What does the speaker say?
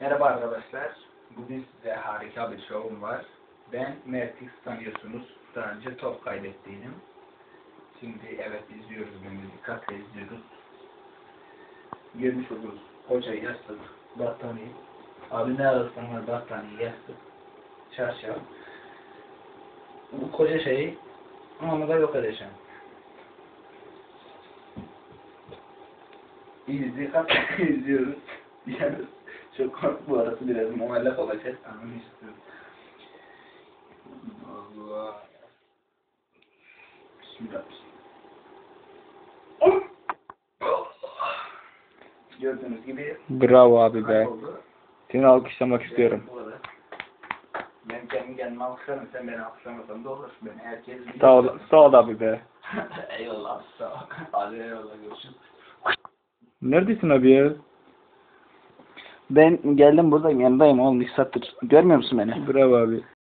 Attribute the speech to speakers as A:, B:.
A: Merhaba arkadaşlar. Bugün size harika bir şovum var. Ben Mertix, tanıyorsunuz. Daha önce top kaybettiydim. Şimdi evet izliyoruz, bunu dikkatle izliyoruz. Görmüş oluruz. Koca yastık, battaniye. Abi ne ararsan var, battaniye, yastık, çarşaf. Bu koca şeyi onu da yok edeceğim. Dikkatle izliyoruz. Yani çok korktu bu arası, biraz muallak olacak. Anını istiyorum. Allah. Bismillah. Gördüğünüz gibi
B: Bravo abi be.
A: kayboldu.
B: Seni alkışlamak istiyorum.
A: Bu kadar. Ben kendi kendime alkışlarım. Sen beni alkışlamasan da olur. Ben herkes biliyor.
B: Sağ ol abi be.
A: Eyvallah. Sağ ol. Hadi eyvallah. Görüşürüz.
B: Neredesin abi ya?
C: Ben geldim buradayım, yanındayım oğlum, 2 saattir. Görmüyor musun beni?
B: Bravo abi.